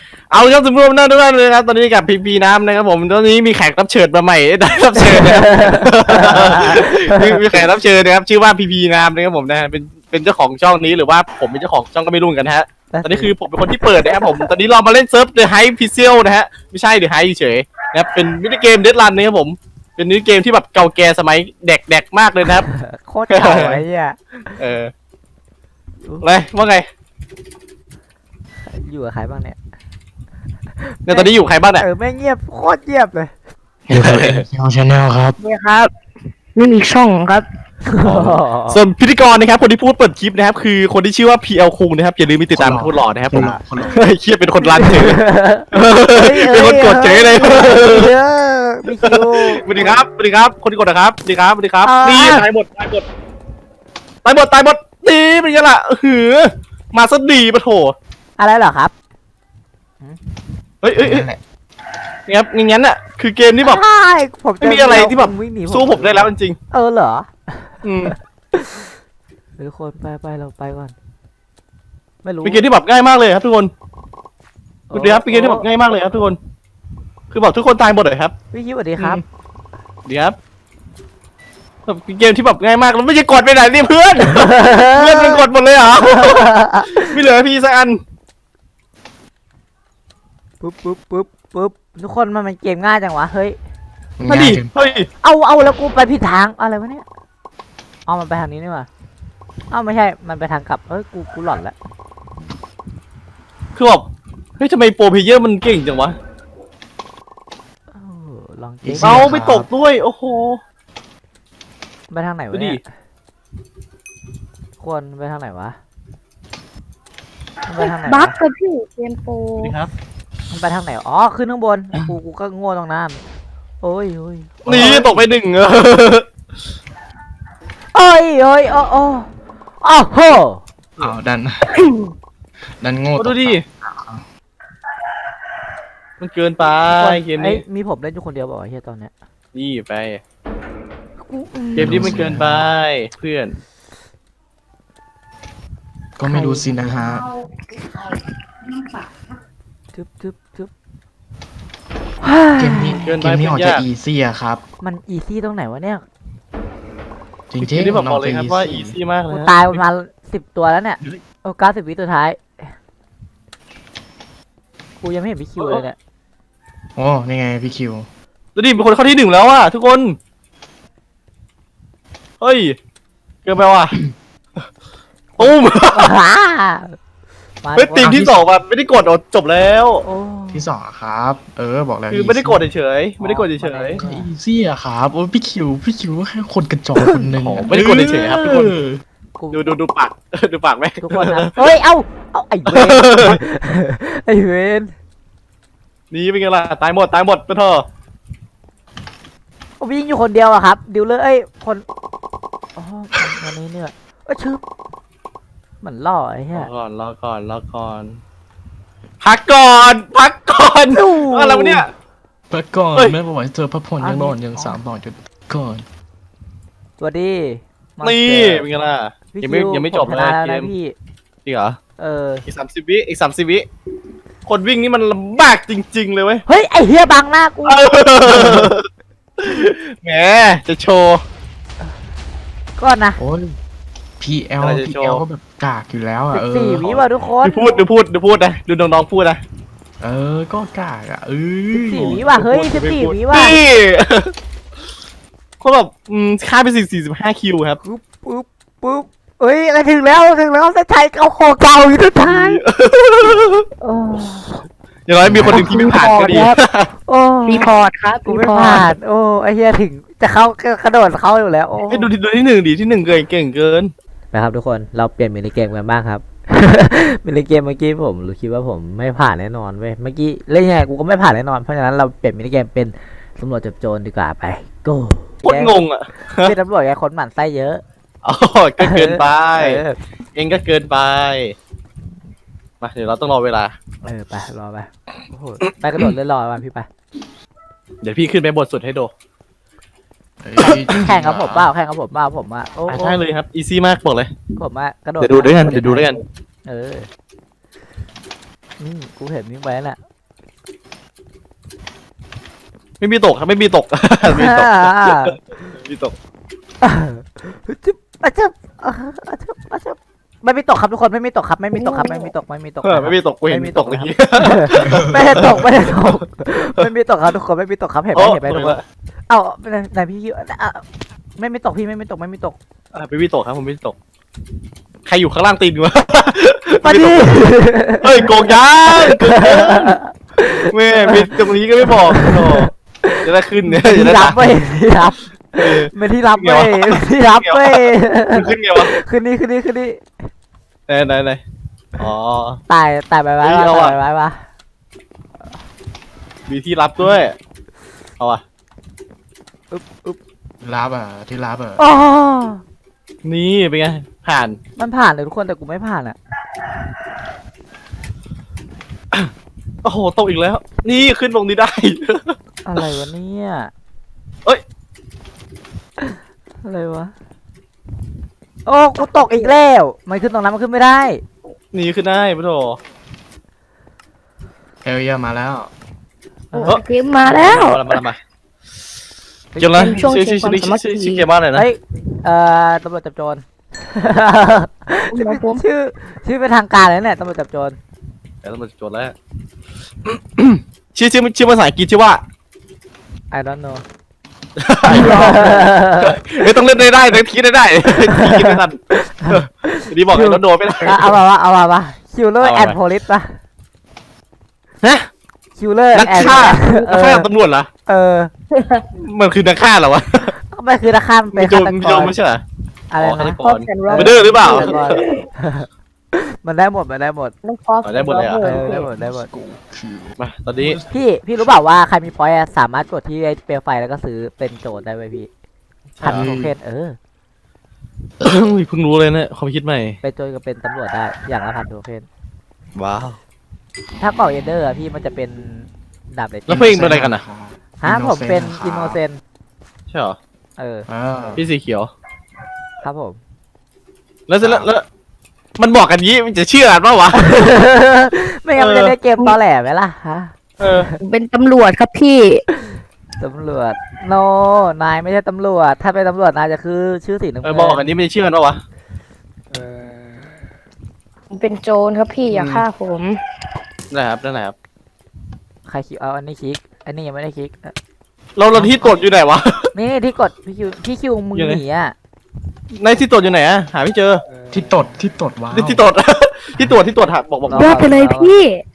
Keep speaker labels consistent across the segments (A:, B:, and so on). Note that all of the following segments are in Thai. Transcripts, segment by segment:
A: เอาครับสมมติว่าทุกท่านเลยครับตอนนี้กับพีพีน้ำนะครับผมตอนนี้มีแขกรับเชิญมาใหม่ได้รับเชิญนะครับมีแขกรับเชิญนะครับชื่อว่าพีพีน้ำนะครับผมนะฮะเป็นเจ้าของช่องนี้หรือว่าผมเป็นเจ้าของช่องก็ไม่รู้กันฮะตอนนี้คือผมเป็นคนที่เปิดนะครับผมตอนนี้เรามาเล่นเซิร์ฟ The Hype Pixel นะฮะไม่ใช่ The Hype เฉยๆนะครับเป็นมินิเกม Deadrun นะครับผมเป็นมินิเกมที่แบบเก่าแก่สมัยเด็กมากเลยนะครับ
B: โคตรเก่าไอ้เหี้ย
A: อะไรว่าไง
B: อยู่กับใครบ้างเนี่ย
A: เนี่ยตอนนี้อยู่ใครบ้างเนี่ย
B: ไม่เงียบโคตรเงียบเลย
C: อยู่กับชาแนลครับ
D: นี่ครับนี่มีช่องครับ
A: ส่วนพิธีกรนะครับคนที่พูดเปิดคลิปนะครับคือคนที่ชื่อว่า PL คุงนะครับอย่าลืมไปติดตามพูดหล่อนะครับผมเฮ้ยเครียดเป็นคนรันเฉยเป็นคนกดเฉยเลย
B: มีคิว
A: สวัสดีครับสวัสดีครับคนที่กดนะครับสวัสดีครับสวัสดีครับนี่ตายหมดนี่เป็นยังไงล่ะหือมาซะดีปะโถ
B: อะไรเหรอครับ
A: เฮ้ยนี่ครับงั้นน่ะคือเกมที่แบบ
B: ผม
A: ไม่มีอะไรที่แบบ
B: วิ่งหนี
A: สู้ผมได้แล้วจริง
B: เหรอ
A: ๆอืม
B: ทุกคนไปเราไปก่อนไม่รู้
A: เป็นเกมที่แบบง่ายมากเลยครับทุกคนดูดิครับเป็นเกมที่แบบง่ายมากเลยครับทุกคนคือบอกทุกคนตายหมดเลยครับ
B: พี่คิวสวัสดีครับ
A: เดี๋ยวครับเป็นเกมที่แบบง่ายมากแล้วไม่ใช่กดไปไหนนี่เพื่อน เพื่อนมันกดหมดเลยเหรอ ไม่เหลือพี่สักอัน
B: ปุ๊บทุกคนมันเกมง่ายจังวะเฮ้ย
A: มาดิเฮ้ย
B: เอาแล้วกูไปผิดทางอะไรวะเนี่ยเอามันไปทางนี้นี่หว่าไม่ใช่มันไปทางกลับกูหลอนแล้ว
A: คือแบบเฮ้ยทำไมโปรเพลเยอร์มันเก่งจังวะ
B: ลองเจ๊ง
A: เอาไม่ตกด้วยโอ้โห
B: ไปทางไหนวะ
A: ดูดิ
B: เนี่ยควรไปทางไหนวะมันไปทางไหน
D: บั๊
B: วะ
D: กกับพี่เกมโปร
A: สวัสดีครับ
B: มันไปทางไหนขึ้นข้างบนกูก็โง่ตรงนั้นโอ้ย
A: นี่ตกไปหนึ่ง
B: โอ้โอ้โห
C: อ้าวดันโง่
A: ดูดิมันเกินไปเกมนี้
B: มีผมเล่นอยู่คนเดียวบอกเฮียตอนเนี้ย
A: นี่ไปเกมนี้มันเกินไปเพื่อน
C: ก็ไม่รู้สินะฮะ
B: ทึบ
C: เกมนี้ออกจะอีซี่อะครับ
B: มันอีซี่ตรงไหนวะเนี่ย
C: จริง
A: เกม
C: ๆ
A: นี้บอก
C: มันออก
A: เลย
C: จะ
A: ครับ
C: อี
A: ว่า
C: ซี่
A: อีซี่มากเลย
B: กู
A: นะ
B: ตายประมาณ10 ตัวแล้วเนี่ย90 วิตัวท้ายกูยังไม่เห็นพี่คิวเลยเนี่ย
C: โอ้นี่ไงพี่คิว
A: ดูดิเป็นคนเข้าที่หนึ่งแล้วอ่ะทุกคนเฮ้ยเกินไปว่ะตุ้ม เฮ้ยทีมที่สองแบบไม่ได้กดจบแล้ว
B: โอ้
C: ที่สองอะครับ บอกแล้ว
A: คือไม่ได้กดเฉยๆไม่ได้กดเฉย
C: ก็อีซี่อะครับโอ้พี่คิวแค่คนกระจอกคนหนึ่ง
A: ๆไม่ได้กดเฉยๆครับทุกคน
B: กู
A: ดูปาก ดูปากไหม
B: ทุกคนนะเฮ้ยเอาไอ้เวน ไอ้เวน
A: นี่เป็นไงล่ะตายหมดไปเถอะ
B: ผมยิงอยู่คนเดียวอะครับดิวเลยคนวันนี้เนี่ยชื่อเหมือนล่อไอ้เหี้ย
A: รอก่อนพักก่อนอะไรวะเนี่ย
C: เมื่อก่อน
A: เฮ้ย
C: แม่บอกว่าเจอพระพลยังนอนยัง3 ตอนจุดก่อน
B: สวัสดีมาส
A: นี่
B: เตอร์
A: เป็นไงล่ะ
B: พี่
A: ยังไม่
B: คิว
A: ยังไม่จบ
B: ผช
A: เล
B: นะ
A: ย
B: แล้ว
A: เก
B: นะ
A: ม
B: พี่
A: จริงเหรอ
B: อี
A: อีก30 วิคนวิ่งนี่มันลำบากจริงๆเลยเว้ย
B: เฮ้ยไอ้เหี้ยบังหน้ากู
A: แหมจะโชว์
B: ก่อนนะ
C: โอ้ย PL
A: อะไรจะโชว์
C: PL ก็แบบกากอยู่แล้วอะ
B: 14 วิว่ะทุกคน
A: ดูพูดนะดูน้องๆพูดนะ
C: ก็กากอะ
B: 14 วิว่ะเฮ้ย14 วิว่ะ
A: นี่ เขาแบบค่าไป45 คิวครับ
B: ปุ๊บเอ้ยอะไรถึงแล้วเส้นชัยเอาคอเก่าอยู่สุดท้ายโอ้
A: อย่างน้อยมีคนหนึ่งที่ไม่ผ่านก็ดี
B: โอ้
D: รีพอร์ตครับ
B: กูไม่ผ่านโอ้ไอ้เหี้ยถึงจะเข้ากระโดดเข้าอยู่แล้วโอ้
A: ให้ดูที่หนึ่งดิที่หนึ่งเก่งเกิน
B: นะครับทุกคนเราเปลี่ยนมินิเกมกันบ้างครับ มินิเกมเมื่อกี้ผมคิดว่าผมไม่ผ่านแน่นอนเว้ยเมื่อกี้เล่นยังไงกูก็ไม่ผ่านแน่นอนเพราะฉะนั้นเราเปลี่ยนมินิเกมเป็นตำรวจจับโจรดีกว่าไป go
A: โคตรงงอ่ะ
B: เป็นตำรวจไงคนหมั่นไส้เยอะ
A: อ๋อก็เกินไป
B: เออ
A: เองก็เกินไปมาเดี๋ยวเราต้องรอเวลา
B: ไปรอไปโอ้โหไปกระโดดเลยรอมาพี่ไป
A: เดี๋ยวพี่ขึ้นไปบทสุดให้ดู
B: แข่งกับผมเปล่าผมอ่ะโอ้
A: ใช่เลยครับอีซี่มากบอกเลย
B: ผมอ่ะกระโดด
A: เดี๋ยวดูด้วยกัน
B: เออนี่กูเห็นวิ่งไปน่ะ
A: ไม่มีตกครับไม่มีตก ไม่มีตกไม่มีตก
B: จึ๊บอาจึ๊บอาจึ๊บอาจึ๊บไม่มีตกครับทุกคนไม่มีตกครับไม่มีตกครับไม่มีตกไม่มีตก
A: ไม่มีตกกูเห็น
B: ไม่มี
A: ต
B: ต
A: ก
B: ก
A: เมื่อกี้
B: ไม่ได้ตกไม่ได้ตกไม่มีตกครับทุกคนไม่มีตกครับเห็นไหม
A: โอ้
B: เห็นไหมทุกคนเอ้าไหนพี่คิวไม่มีตกพี่ไม่มีตกไม่มีตก
A: ไม่มีตกครับผมไม่มีตก ใครอยู่ข้างล่างตีนวะ
B: มาดิ
A: เฮ้ยโกงยังโกงยังแม่มีตรงนี้ก็ไม่บอกโอ้จะได้ขึ้นเนี่ยจะ
B: ที่
A: ได้
B: รับ
A: ตาม
B: เว้ยที่รับไม่ที่รับเว้ยที่รับเว้ย
A: ขึ้นไงวะ
B: คืนนี้คืนนี้คืนนี้
A: ไหนอ๋อ
B: ตายไปไว้
A: เฮ้ย
B: วะ
A: เอา
B: ตา
A: อะ
B: ยไปไว้วะ
A: มีที่รับด้วยเอาอ่ะ
C: รับอ่ะที่รับอ่ะ
B: อ๋อ
A: นี่เป็นไงผ่าน
B: มันผ่านเลยทุกคนแต่กูไม่ผ่านอ่ะ
A: โอ้โหตกอีกแล้ว นี่ขึ้นตรงนี้ได้
B: อะไรวะเนี่ย
A: เอ้ย
B: อะไรวะโอ้กูตกอีกแล้วมันขึ้นตรงนั้นมันขึ้นไม่ได้
A: นี่ขึ้นได้ปะโถ
C: เอลเยมาแล้ว
D: โอ้เกมมาแล้ว
A: มาเกี่ยวแล้ว
D: เป็นช่วงชิงความสามัคคี
A: ชื่อเกมว่าอะไรนะ
B: เฮ้ยตำรวจจับโจร
D: ครับผม
B: ชื่อเป็นทางการเลยเนี่ยตำรวจจับโจร
A: เดี๋ยวเรามาโจทย์แล้ว ชื่อภาษาอังกฤษชื่อว่า
B: I don't know
A: ไม่ต้องเล่นได้ต้องคิดได้คิดไม่ทันดีบอกเลยต้องโดนไม่ได้
B: เอามา Killer
A: เอามา
B: and Police ป่ะ
A: ฮะ
B: Killer
A: นัก
B: and
A: ฆ่า
B: เอ
A: นักฆ่า
B: อ
A: ตำรวจเหรอ
B: เออ
A: มันคือนักฆ่าเหรอวะ
B: ไม่คือนักฆ่ามันเป็นฆาต
A: มี
B: ก
A: โจ
B: ร
A: มไม่ใช่เหรอ
B: อะไร
A: ฆาต
B: นะ
A: ก
D: คอ
A: ร
D: สแอนด์โร
A: มาเดอร์หรือเปล่า
B: ฆาตกรมันได้หมดมันได้หมด
D: ต้องคอส
A: ได้หมดเลยเหรอ
B: เออได้หมดได้หมด
A: มาตอนนี้
B: พี่รู้เปล่าว่าใครมีพอยต์อะสามารถกดที่ไอ้เปลวไฟแล้วก็ซื้อเป็นโจทย์ได้ไหมพี่พันโทเค็น
A: เพิ่งรู้เลยเนี่ยความคิดใหม่
B: เป็นโจทย์กับเป็นตำรวจได้อย่างละพันโทเค็น
A: ว้าว
B: ถ้าเป่าเอเดอร์อะพี่มันจะเป็นดาบเหล็ก
A: แล้วเพลงเป็นอะไรกันอ่ะ
B: ฮะผมเป็นอินโนเซน
A: ใช่เหรอ
B: เออ
A: พี่สีเขียว
B: ครับผม
A: แล้วเสร็จแล้วมันบอกกันงี้มันจะเชื่อกันปะวะ
B: ไม่งั้นมันจะได้เกมตอแหลไหมล่ะฮะ
A: เออ
D: เป็นตำรวจครับพี่
B: ตำรวจโนนายไม่ใช่ตำรวจถ้าเป็นตำรวจนายจะคือชื่อสีน้ำ
A: เออ
B: เงิน
A: บอกกันนี้ไม่ได้เชื่อกันปะวะ
D: เป็นโจรครับพี่อย่าฆ่าผม
A: นั่นแหละครับนั่นแหละครับ
B: ใครคลิกเอาอันนี้คลิกอันนี้ยังไม่ได้คลิก
A: เราที่ตรวจอยู่ไหนวะ
B: นี่ที่กดพี่คิวมึง
A: อยู่ไหน
B: หนีอ่ะ
A: ในที่ตรวจอยู่ไหนอะหาไม่เจอ
C: ที่ตดว้าว
A: ที่ตรวจ ที่ตรวจหาบอก
D: ยอดไปเลยพี่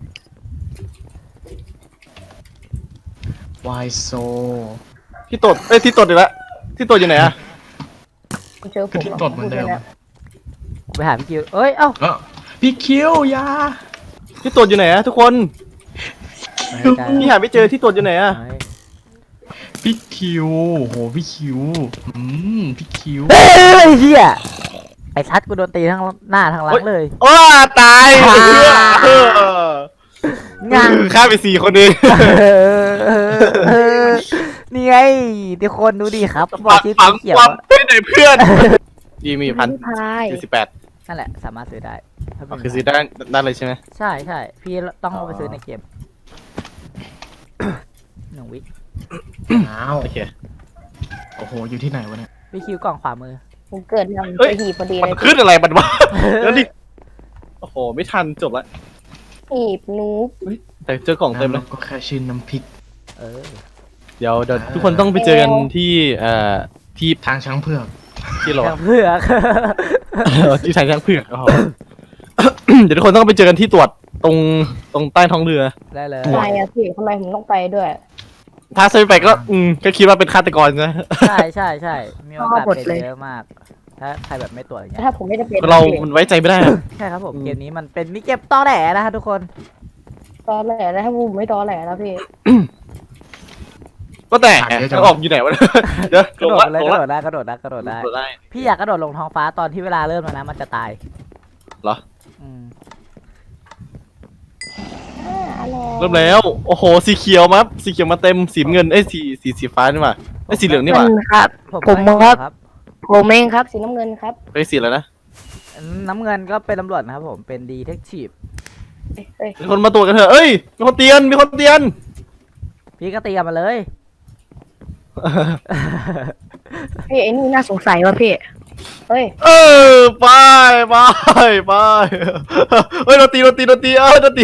C: วายโซ
A: ที่ตรวจที่ตรวจอีกแล้วที่ตรวจอยู่ไหนอะ
D: เจอผ
C: คือ
D: ม
C: ที่ตดเหมือนเดิม
B: ไปหาพี่คิวเอ้ยเอ้า
C: พี่คิวยา
A: ที่ตรวจอยู่ไหนอะทุกคน
B: ไม่ได้
A: พี่หาไม่เจอที่ตรวจอยู่ไหนอะ
B: ไม่
C: พี่คิวโหพี่คิวพี่คิว
B: เฮ้ยเฮียไอ้ทัดกูโดนตีทั้งหน้าทั้งหลังเลย
A: โอ้ตาย
B: งาน
A: ฆ่าไป4 คนเอง
B: นี่ไงทุกคนดูดิครับบอกชื่อ
A: ฝั
B: สี
A: ง
B: เขียว
A: ความ
B: อะ
A: ไม่ไหนเพื่อนดีมี
D: พี่พาย
A: 1,048
B: นั่นแหละสามารถซื้อได้ถ้าเป็น
A: คือซื้อได้เลยใช่ไหม
B: ใช่พี่ต้องเอาไปซื้อในเกม 1 วิ
C: อ้าว
A: โอเค
C: โอ้โหอยู่ที่ไหนวะเนี่ย
B: พี่คิวกล่องขวามือ
D: ผมเกิดทำ
A: เฮ้ย
D: ไปหีบพอดี
A: มั
D: เล
A: น
D: ย
A: ขึ้นอะไรมันวะแล้วดิโอ้โหไม่ทันจบละ
D: หีบนูบ
A: แต่เจอกล่องเต็มเลย
C: ก็แค่ชื่อน้ำพริก
B: เออ
A: เดี๋ยวทุกคนต้องไปเจอกันที่ที่
C: ทางช้างเผือก
A: ที่เรา
B: ทางเพื่อก
A: ที่ทางช้างเผือกอ๋อ เดี๋ยวทุกคนต้องไปเจอกันที่ตรวจตรงใต้ท้องเรือ
B: ได้เลย
D: ทำไมอะพี่ทำไมผมต้องไปด้วย
A: ถ้าซื้อไปก็ก็คิดว่าเป็นฆาตกรนะ
B: ใช่มีโอกาสเป็นเยอะมาก ถ้าใครแบบไม่ตรวจอย่างเงี้ย
D: ถ้าผมไม่ได้เป็น
A: เรามันไว้ใจไม่ได้อะ
B: ใช่ครับผมเกมนี้มันเป็นมิเกมตอแหลนะครับทุกคน
D: ตอแหลแล้วถ้าผมไม่ตอแหลแล้วพี่
A: ก็แต่จะออกอยู่ไหนวะเดี๋ยว
B: กระ
A: ล
B: โด
A: ง
B: ด
A: ละ
B: เลย
A: ลง
B: กระ
A: ละ
B: โดดได้กระโดดได้กระโดดได้
A: ได้
B: พี่อยากกระโดดลงท้องฟ้าตอนที่เวลาเริ่มแล้วนะมันจะตาย
A: เหรอ
B: อืม
A: เริ่มแล้วโอ้โหสีเขียวมาสีเขียวมาเต็มสีเงินสีฟ้านี่หว่าสีเหลืองนี่หว่า
D: ครับ
B: ผม
D: ครับ ผมเองครับสีน้ำเงินครับ
A: ไปสีแล้วนะ
B: น้ำเงินก็เป็นตำรวจนะครับผมเป็นดีเทคทีฟ
D: เฮ้ย
A: มีคนมาตรวจกันเถอะเอ้ยมีคนเตียนมีคนเตียน
B: พี่ก็ตีกันมาเลย
D: พี่ไอ้นี่น่าสงสัยว่ะพี่เฮ้ย
A: เออไปไปไปเฮ้ยโดนตีเออโดนตีโดนตีโดนตี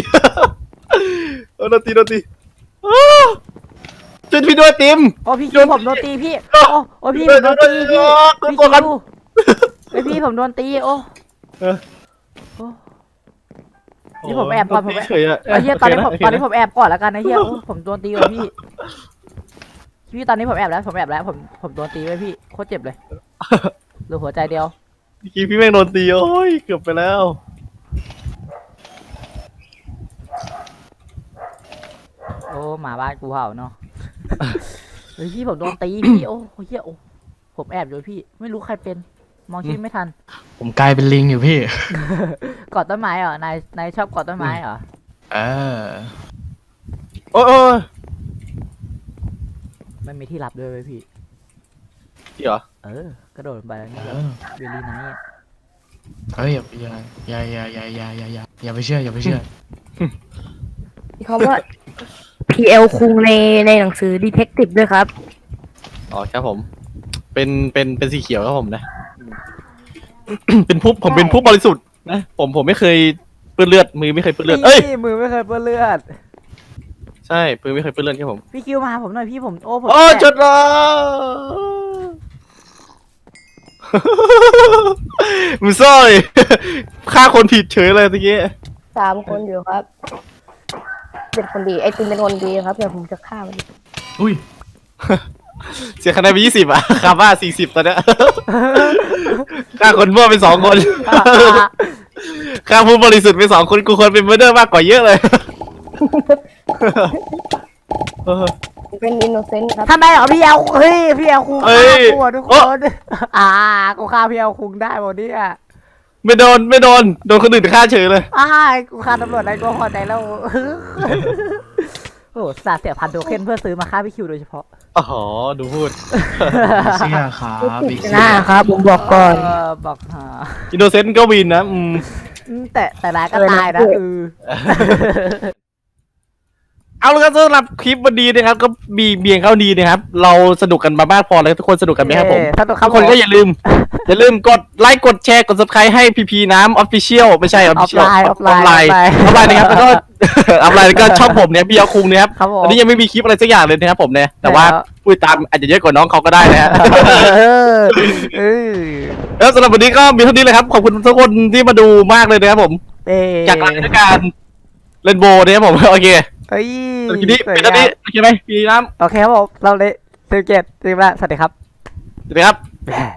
A: อ้าวช่วยพี่ด้วยติม
B: โอ้พี่คิวผมโดนตีพี่โอ้พี่ผมโดนตีพี่
A: โดน
B: พี่
A: กดกั
B: คิ
A: น
B: วไอพี่ผมโดนตีโอ้
A: เออ
B: โอ้นี่ผมแอบก่อนผมแอบ
A: เฉยๆอะ
B: ไอ้เหี้ยตอนนี้ผม
A: โเค
B: ตอนนี้ผมแอบก่อนแล้วกันนะเหี้ยโอ้ผมโดนตีว่ะพี่พี่ตอนนี้ผมแอบแล้วผมโดนตีไว้พี่โคตรเจ็บเลยเหลือหัวใจเดียว
A: เมื่อกี้พี่แม่งโดนตีโอ้ยเกือบไปแล้ว
B: โอ้หมาบ้านกูเห่าเนาะเฮ้ยพี่ผมโดนตีพี่โอ้เหี้ยโอ้ผมแอบอยู่พี่ไม่รู้ใครเป็นมองชื่อไม่ทัน
C: ผมกลายเป็นลิงอยู่พี่
B: กอดต้นไม้เหรอนายชอบกอดต้นไม้เหรอ
C: เออ
A: โอ้ยโอ้ย
B: ไม่มีที่รับด้วยเว้ยพี่
A: พี่เหรอก
B: ระโดดลงไปแล้วนี่
C: เอ
B: แบบ
C: อ
B: เวลี่ไนท์อะ
C: เฮ้ยอย่าไปเชื่ออย่าไปเชื่อ
D: มีคำว่า PL คุงในหนังสือ Detective ด้วยครับ
A: อ๋อครับผม เป็นสีเขียวครับผมนะ เป็นผู้ผมเป็นผู้บริสุทธิ์นะผมไม่เคยเปื้อนเลือดมือไม่เคยเปื้อนเลือดเอ้ย
B: นี่มือไม่เคยเปื้อนเลือด
A: ใช่มือไม่เคยเปื้อนเลือดครับผม
B: พี่คิวมาหาผมหน่อยพี่ผมโอ้ผม
A: โอ้
B: แตก
A: จดละมึงซ่อยฆ่าคนผิดเฉยเลยตะกี้
D: 3 คนอยู่ครับเป็นคนดีไอ้ติมเป็นคนดีครับเดี๋ยวผมจะฆ่ามัน
C: อุ้ย
A: เสียคะแนนไป20อ่ะคาบ้า40ตอนเนี้ยฆ่าคนมั่วไป2 คนฆ่าผู้บริสุทธิ์ไป2 คนกูควรเป็นเมอร์เดอร์มากกว่าเยอะเลยเออ
D: เป็นอินโนเซนต์ครับ
B: ทำไมเหรอพี่เอาเฮ้ยพี่เอาคุง
A: เอ้
B: ฆ่าย กูอะทุกค
A: โอ๊ะ
B: นกูฆ่าพี่เอาคุงได้หมดเนี่ย
A: ไม่โดนคนอื่นฆ่าเฉยเลย
B: กูฆ่าตำรวจได้กูพอใจแล้วโอ้โหสาเสียพันโทเค็นเพื่อซื้อมาฆ่าพี่คิวโดยเฉพาะ
A: อ๋อดูพูด
C: เชื่อครับ
D: ผิ
C: อี
D: ด
C: ก
D: หน้าครับผมบอกก่อน
B: บอกหา
A: อินโนเซนต์ก็วินนะ
B: แต่ร้ายก็ตายนะ
A: เอาละครับสำหรับคลิปวันนี้นะครับก็มีเบียงเข้าดีนะครับ เราสนุกกันมาบ้างพอแล้วทุกคนสนุกกันไหมครับผม
B: สนุกครั
A: ทุ
B: บ
A: กคนก็อย่าลืมกดไลค์กดแชร์กด subscribe ให้พีพีน้ำ official ไม่ใช่ official
B: ออฟไลน์
A: นะครับแล้วก็ ออฟไลน์แล้วก็ช่องผมเนี่ยพี่เอาคุงเนี่ยครับ
B: ครับผม
A: อันนี้ยังไม่มีคลิปอะไรสักอย่างเลยนะครับผมเนี่ยแต่ว่าพูดตามอาจจะเยอะกว่าน้องเขาก็ได้นะฮะ แล้วสำหรับวันนี้ก็มีเท่านี้เลยครับขอบคุณทุกคนที่มาดูมากเลยนะครับผมจากการเล่นโบเนี่ยครับผมโอเค
B: เฮ้ย
A: ทีนี้เป็นตอนนี้โอเคไหมพี่น้ำ
B: โอเคครับผมเราเลย17 ทีมละสวัสดีครับ
A: สวัสดีครับ